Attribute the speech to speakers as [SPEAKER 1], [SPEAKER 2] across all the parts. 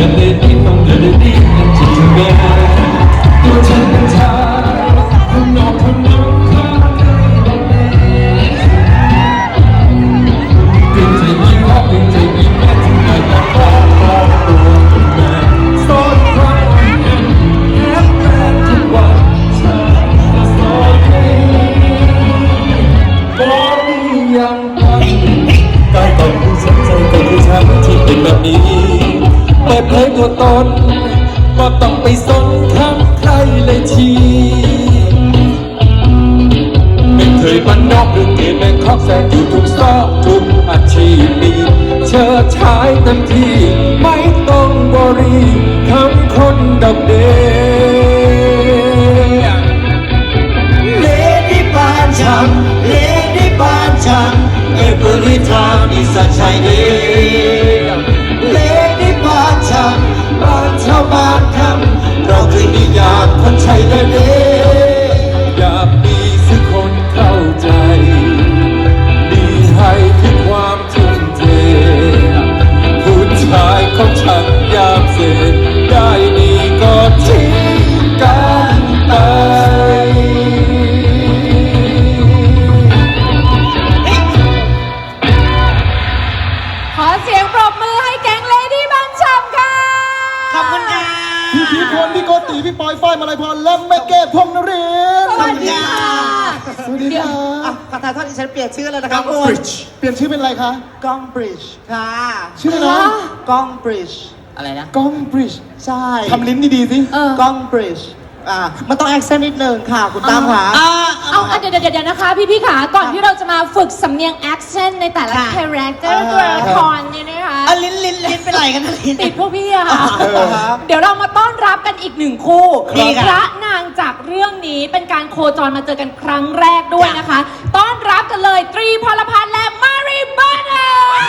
[SPEAKER 1] ดินเดินที่ต้องเดินดีกันจริงๆแม่ตัวฉันเป็นชายคนนอกคนน้องข้าใจบ้างไหมเป็นใจยิ่งรักเป็นใจยิ่งแม่ที่ไม่อยากขอตัวเป็นแม่สอนใครเป็นแค่แฟนทุกวันฉันจะสอนให้บอกยังการตอบผู้สนใจกับผู้ชายที่เป็นแบบนี้เปิดเผยตัวตนก็ต้องไปสนข้างใครเลยทีไม่เคยบ้านนอกหรือเกย์แบงคอกแสงอยู่ทุกซอกทุกอาชีพดีเชิดชายเต็มที่ไม่ต้องบรีคำคนดอกเดเลดี้บ้านฉันเลดี้บ้านฉันEvery time is a Chinese Lady บ้านฉันบ้านชาวบ้านคำเราคือนิยามคนไทยเลยอยากมีสักคนเข้าใจมีให้คือความทุ่มเทผู้ชายของฉันยามเสร็จได้ดีก็ทิ้งกันไป
[SPEAKER 2] เสียงปรบมือให้แก๊งเลดี้บ้านฉ่ำค่ะ
[SPEAKER 3] ขอบคุณค่ะ
[SPEAKER 4] พี่พีพลพี่โกติพี่ปอยฝ้ายมาลัยพรและแม่เกดพงษ์นรินทร์
[SPEAKER 2] สวัสดีค่ะ
[SPEAKER 4] สวัสดีค่ะ
[SPEAKER 3] ขอทานโทษดิฉันเปลี่ยนชื่อเลยนะครับคุณ
[SPEAKER 4] เปลี่ยนชื่อเป็นอะไรคะ
[SPEAKER 3] ก้องบริดจ์ค่ะ
[SPEAKER 4] ชื่ออะไรนะ
[SPEAKER 3] ก้องบริดจ์
[SPEAKER 5] อะไรนะ
[SPEAKER 4] ก้องบริดจ์
[SPEAKER 3] ใช่
[SPEAKER 4] ทำลิ้นดีๆสิ
[SPEAKER 3] ก้องบริดจ์มันต้องแอคเซนต์นิดนึงค่ะคุณตามค่ะ
[SPEAKER 2] เดี๋ยวนะคะพี่ขาก่อนที่เราจะมาฝึกสำเนียง accent ในแต่ละ character ตัวละครเนี่ยนะคะ
[SPEAKER 3] ลิ้นเป็นไรกันลิ้น
[SPEAKER 2] ติดพวกพี่อะค่ะเดี๋ยวเรามาต้อนรับกันอีกหนึ่งคู่พระนางจากเรื่องนี้เป็นการโคจรมาเจอกันครั้งแรกด้วยนะคะต้อนรับกันเลยตรีพลพัฒน์และมารีบานา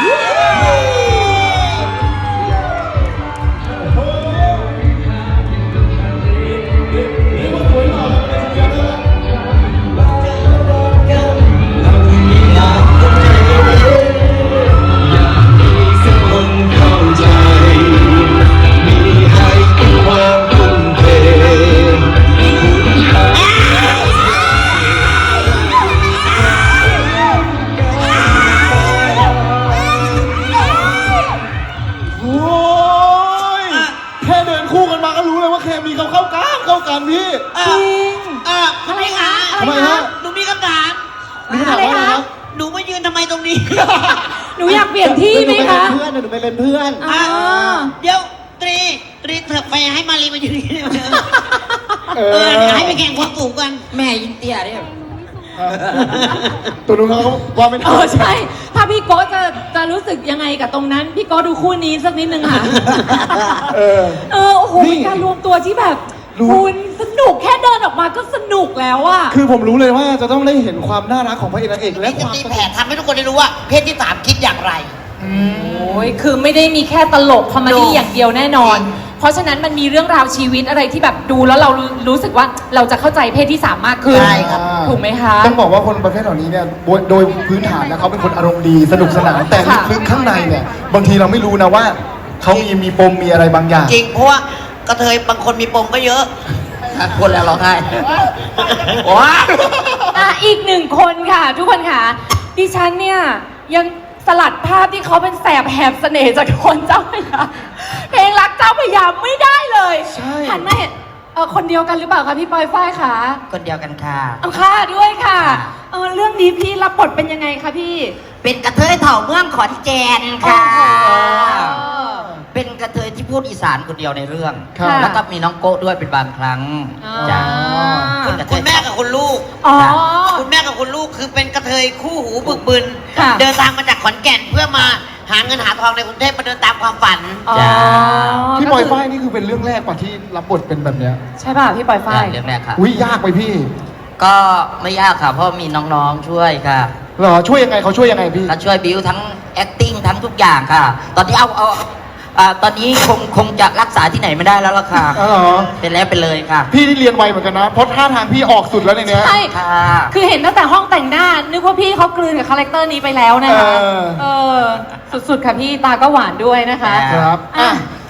[SPEAKER 4] พี่
[SPEAKER 2] จริง
[SPEAKER 3] อะไรคะ
[SPEAKER 4] ทำไมฮะ
[SPEAKER 3] หนูมีคำถาม
[SPEAKER 2] อะไรคะ
[SPEAKER 3] หนูมายืนทำไมตรงนี้
[SPEAKER 2] หนูอยากเปลี่ยนที่ไหมคะ
[SPEAKER 4] เพื่อนหนูไปเป็นเพื่อน
[SPEAKER 3] เดี๋ยวตรีเถิบไปให้มารีมายืนนี่ให้ไปแข่งความสูงกัน
[SPEAKER 5] แม่ยินเตี้ยเนี่ย
[SPEAKER 4] ตัวนู้นเขาว่าไม่ได้
[SPEAKER 2] ใช่ถ้าพี่โก้จะรู้สึกยังไงกับตรงนั้นพี่โก้ดูคู่นี้สักนิดนึงค่ะโอ้โหเป็นการรวมตัวที่แบบคุณสนุกแค่เดินออกมาก็สนุกแล้วอะ
[SPEAKER 4] คือผมรู้เลยว่าจะต้องได้เห็นความน่ารักของพระเอกนางเอกและความ
[SPEAKER 3] ตีแผ่ทำให้ทุกคนได้รู้ว่าเพศที่สามคิดอย่างไร
[SPEAKER 2] โอ้ยคือไม่ได้มีแค่ตลกคอมเมดี้อย่างเดียวแน่นอนเพราะฉะนั้นมันมีเรื่องราวชีวิตอะไรที่แบบดูแล้วเรารู้สึกว่าเราจะเข้าใจเพศที่สามมากขึ้น
[SPEAKER 3] ใช่ครับ
[SPEAKER 2] ถูกไหมคะ
[SPEAKER 4] ต้องบอกว่าคนประเภทเหล่านี้เนี่ยโดยพื้นฐานแล้วเขาเป็นคนอารมณ์ดีสนุกสนานแต่ลึกๆข้างในเนี่ยบางทีเราไม่รู้นะว่าเขามีปมมีอะไรบางอย่าง
[SPEAKER 3] จริงเพราะว่ากระเทยบางคนมีปมก็เยอะ
[SPEAKER 5] คนแล้วร้องไห้
[SPEAKER 2] ว้าอีกหนึ่งคนค่ะทุกคนค่ะดิฉันเนี่ยยังสลัดภาพที่เขาเป็นแสบแหบเสน่ห์จากคนเจ้าพระยาเพลงรักเจ้าพระยาไม่ได้เลยหันมาเห็นคนเดียวกันหรือเปล่าคะพี่ปอยฝ้ายคะ
[SPEAKER 5] คนเดียวกันค่ะ
[SPEAKER 2] ค่ะด้วยค่ะเรื่องนี้พี่รับบทเป็นยังไงคะพี่
[SPEAKER 5] เป็นกระเทยเถ่าเมืองขอนแก่นค่ะเป็นกระเทยที่พูดอีสานคนเดียวในเรื่องแล้วก็มีน้องโก้ด้วยเป็นบางครั้งจ้ะคุณแม่กับคุณลูกคุณแม่กับคุณลูกคือเป็นกระเทยคู่หูบึกบึนเดินทางมาจากขอนแก่นเพื่อมาหาเงินหาทองในกรุงเทพมาเดินตามความฝัน
[SPEAKER 4] จ้ะพี่ปอยฝ้ายนี่คือเป็นเรื่องแรกป่ะที่รับบทเป็นแบบเนี้ย
[SPEAKER 2] ใช่ป่ะพี่ปอยฝ้าย
[SPEAKER 5] เรื่องแรกค่ะ
[SPEAKER 4] อุ้ยยากไปพี่
[SPEAKER 5] ก็ไม่ยากค่ะเพราะมีน้องๆช่วยค่ะ
[SPEAKER 4] เหรอช่วยยังไงเขาช่วยยังไงพี่
[SPEAKER 5] เขาช่วยบิวทั้ง acting ทั้งทุกอย่างค่ะตอนนี้ตอนนี้คงจะรักษาที่ไหนไม่ได้แล้วล่ะค่ะเป็นแล้วเป็นเลยค่ะ
[SPEAKER 4] พี่ที่เรียนไวเหมือนกันนะเพราะท่าทางพี่ออกสุดแล้วในนี้
[SPEAKER 2] ใช่คือเห็นตั้งแต่ห้องแต่งหน้านึกว่าพี่เขากลืนกับคาแรคเตอร์นี้ไปแล้วนะคะสุดๆค่ะพี่ตาก็หวานด้วยนะคะ
[SPEAKER 4] ครับ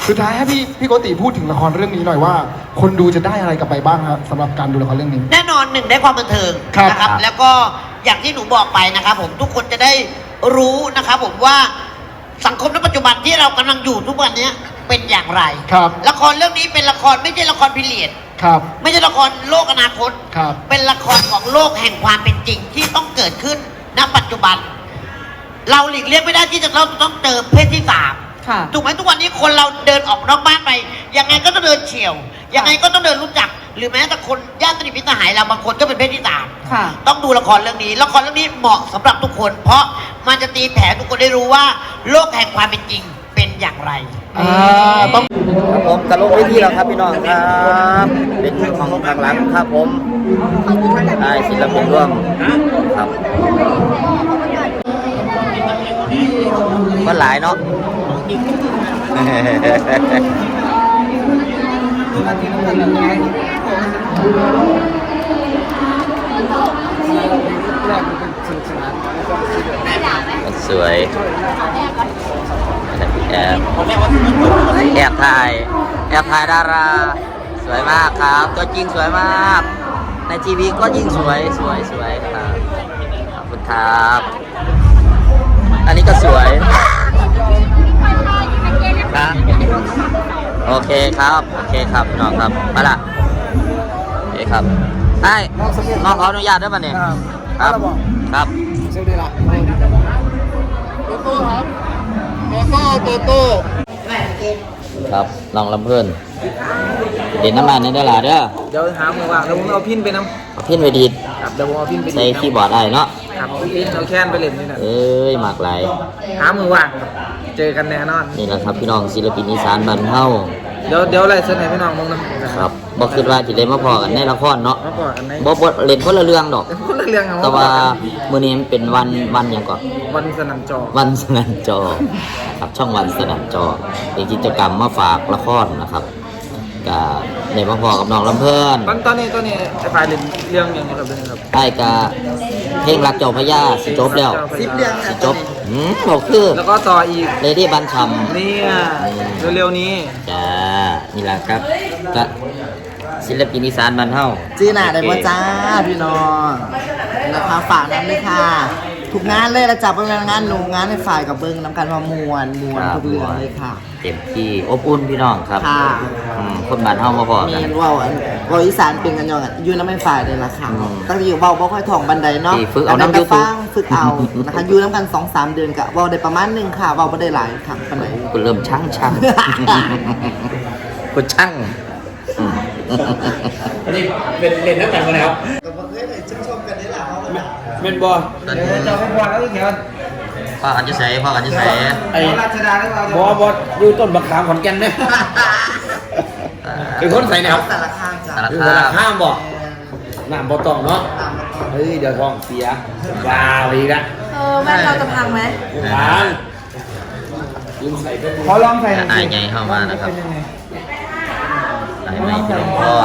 [SPEAKER 4] สุดท้ายให้พี่โกติพูดถึงละครเรื่องนี้หน่อยว่า คนดูจะได้อะไรกลับไปบ้างครับสำหรับการดูละครเรื่องนี้
[SPEAKER 3] แน่นอนหนึ่งได้ความบันเทิง
[SPEAKER 4] ครับ
[SPEAKER 3] นะครับ แล้วก็อย่างที่หนูบอกไปนะครับผมทุกคนจะได้รู้นะครับผมว่าสังคมในปัจจุบันที่เรากำลังอยู่ทุกวันนี้เป็นอย่างไร
[SPEAKER 4] ครับ
[SPEAKER 3] ละครเรื่องนี้เป็นละครไม่ใช่ละครพิเรียด
[SPEAKER 4] ครับ
[SPEAKER 3] ไม่ใช่ละครโลกอนาคต
[SPEAKER 4] ครับ
[SPEAKER 3] เป็นละครของโลกแห่งความเป็นจริงที่ต้องเกิดขึ้นณปัจจุบัน เราหลีกเลี่ยงไม่ได้ที่จะต้องเจอเพศที่สาม
[SPEAKER 2] ค่ะ
[SPEAKER 3] ถูกไหมทุกวันนี้คนเราเดินออกนอกบ้านไปยังไงก็ต้องเดินเฉียวยังไงก็ต้องเดินรู้จัก หรือแม้แต่คนญาติสนิทมิตรสหายเราบางคนก็เป็นเพศที่สาม
[SPEAKER 2] ค่ะ
[SPEAKER 3] ต้องดูละครเรื่องนี้ละครเรื่องนี้เหมาะสำหรับทุกคน เพราะมันจะตีแผ่ทุกคนได้รู้ว่าโลกแห่งความเป็นจริงเป็นอย่างไร
[SPEAKER 4] ต้อง
[SPEAKER 5] ครับผมกระลงเวทีแล้วครับพี่น้องครับเป็นที่ของทางหลังครับผมได้ศิลปินร่วมครับก็หลายเนาะ สวยแอบถ่ายดารา สวยมากครับ ตัวจริงสวยมาก ในทีวีก็ยิ่งสวยครับขอบคุณครับ อันนี้ก็สวยนะโอเคครับพี่น้องครับมาละโอเคครับไอ้น้องขออนุญาตได้ป่ะเนี่ยครับครับ
[SPEAKER 4] สวัสดีละโตโต้ครับโตโต้
[SPEAKER 5] ครับน้องลำเพื่อนเด่นน้ำมันในเด้อล่ะเด้อ
[SPEAKER 6] เดี๋ยวหามือว่างเดี๋ยวผมเอาพินไปน้
[SPEAKER 5] เอาพินไปดีด
[SPEAKER 6] ำครับเดี๋ยวผมเอาพินไป
[SPEAKER 5] ใส่คีย์บอร์ดได้เนาะ
[SPEAKER 6] ครับพินเอาแค้นไปเล่นนี่นะ
[SPEAKER 5] เอ้ยหมากหลาย
[SPEAKER 6] หามือว่างครับเจอกันแน่นอน
[SPEAKER 5] นี่แหละครับพี่น้องศิลปินอีสานบ้านเฮา
[SPEAKER 6] เดี๋ยวอะไรเสนอพี่น้องมึงนะครับ
[SPEAKER 5] บ่คิดว่าสิได้มาพอกันในละครเนาะ
[SPEAKER 6] มาก่อนอันไหน
[SPEAKER 5] บ่เล่นคนละเรื่องดอก
[SPEAKER 6] คนละเรื่องเอา
[SPEAKER 5] แต่ว่ามื้อนี้มันเป็นวันหยังก่อน
[SPEAKER 6] วันสนั่นจอ
[SPEAKER 5] วันสนั่นจอครับช่องวันสนั่นจอเป็นกิจกรรมมาฝากละครนะครับก็ได้มาพอกับน้องลำเพิ่น
[SPEAKER 6] ตอนนี้ไอ้ฝ่ายเล่นเรื่องอย่างนี้ครับเรื่องนี้ครับ
[SPEAKER 5] ไอ้กะเพลงรักเจ้าพระยาสิจบแล้ว
[SPEAKER 6] 10 เรื่อง
[SPEAKER 5] สิจบบอกคือ
[SPEAKER 6] แล้วก็ต่ออีก
[SPEAKER 5] เลดี้บันชัม
[SPEAKER 6] เนี่ยเร็วๆนี้
[SPEAKER 5] จ้านี่แหละครับก็ศิลปินอีสานบ้านเฮา
[SPEAKER 7] จีน่าได้บ่จ้าพี่น้องนะคะฝากนั้นเลยค่ะ ทุกงานเลยละจ้าเป็นงานหนูงานในฝ่ายกับเบิ้งน้ำกันมามวนทุกเรื่องเลยค่ะ
[SPEAKER 5] เต็มที่อบอุ่นพี่น้องครับ
[SPEAKER 7] ค่ะ
[SPEAKER 5] คนบ้านเฮามาพอ
[SPEAKER 7] มี
[SPEAKER 5] กัน
[SPEAKER 7] ว่าวอีสานเป็นกันยองอ่ะอยู่น้ำไม่ฝ่ายเลยละค่ะ
[SPEAKER 5] อืม
[SPEAKER 7] ตั้งแต่อยู่เบาบ่ค่อยถ่องบันไดเนาะ
[SPEAKER 5] นี่ฝึกเอาน้ำ
[SPEAKER 7] แต่
[SPEAKER 5] YouTube
[SPEAKER 7] ฟังฝึกเอานะคะอยู่น้ำกัน 2-3 เดือนกะเบาได้ประมาณนึงค่ะเบาบ่ได้หลายค่ะปานไหน
[SPEAKER 5] กูเริ่มช่าง กูช่าง
[SPEAKER 6] อันนี้เป็นเล่นนักแต่งกันแล้ว เมนบอลเจ้าเป็นบอลแล้วอีกเหรอ
[SPEAKER 5] พ่อกันจะใส่
[SPEAKER 6] ไอ้ราชดาหรือเปล่าบอลอยู่ต้นบักขามขอนแก่นเนี่ยเป็นคนใส่แนว
[SPEAKER 7] แต่ละข้างจ้ะ
[SPEAKER 5] สาร
[SPEAKER 6] อยู่
[SPEAKER 5] คา
[SPEAKER 6] แต่ละ
[SPEAKER 5] ม
[SPEAKER 6] ข้ามบอกน้ำบ่ต้องเนาะเฮ้ยเดี๋ยวท้องเสียว้าวอีกแล้ว
[SPEAKER 2] แม่เราจะพังไหม
[SPEAKER 6] ทางขอลองใส่
[SPEAKER 5] นายใหญ่เข้ามานะครับนายใหม่พี่ลงพร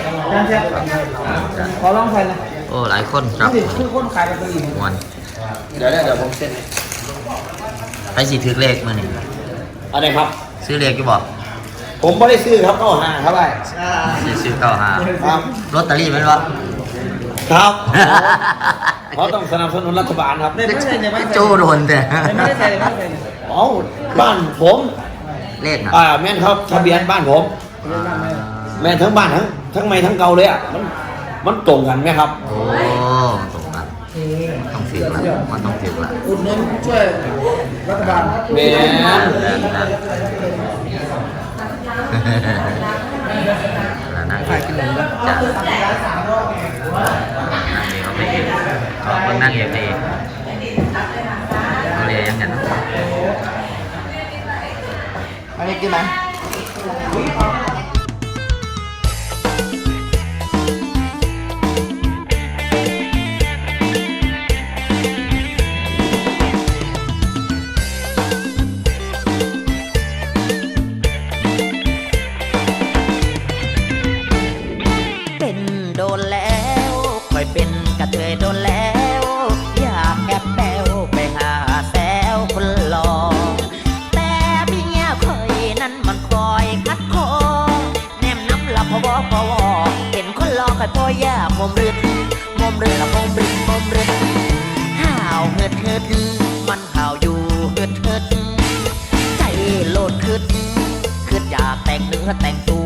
[SPEAKER 6] ขอลองใส่นะ
[SPEAKER 5] โอ้หลายคนครับ
[SPEAKER 6] คือคนขายเป็นตัวอีก
[SPEAKER 5] มวน
[SPEAKER 6] เดี๋ยวผมเซ็น
[SPEAKER 5] ไปสิถือเลขมื้อนี้
[SPEAKER 6] อะไรครับ
[SPEAKER 5] ซื้อเลขอยู่บ่
[SPEAKER 6] ผมไม่ได้ซื้อครับเข้าหาครับไป
[SPEAKER 5] ซื้อเก้าห้า
[SPEAKER 6] ครับ
[SPEAKER 5] ลอตเตอรี่แม่นบ่
[SPEAKER 6] ครับเขาต้องสนับสนุนรัฐบาลครับไม่ได้ใส่ไม่
[SPEAKER 5] โจ้โดนแต่
[SPEAKER 6] ได้ใส่เอ้าบ้านผม
[SPEAKER 5] เลขน่ะ
[SPEAKER 6] แม่นครับทะเบียนบ้านผม แม่นทั้งบ้านทั้งไม่ทั้งเก่าเลยอ่ะมันตรงกันไหมครับ
[SPEAKER 5] โอ้ตรงกันต้องถือละมันต้องถือละ
[SPEAKER 6] อุดหนุนช่วยรัฐบาลแม่น
[SPEAKER 5] แล้วนั่งกินจ้ะนั่งเองเขาเรียกยังไงนะ
[SPEAKER 7] อันนี้กินไหม
[SPEAKER 8] เป็นโดนแล้วคอยเป็นกระเทยโดนแล้ว อยากแอบแบวไปหาแซวคนหล่อแต่เมียคอยนั้นมันคออยากมอมรึดมอมรึดละมอมรึดมอมรึดห่าวเฮิดเฮิดมันห่าวอยู่เฮิดเฮิดใจโลดขึ้นอยากแต่งเนื้อแต่งตัว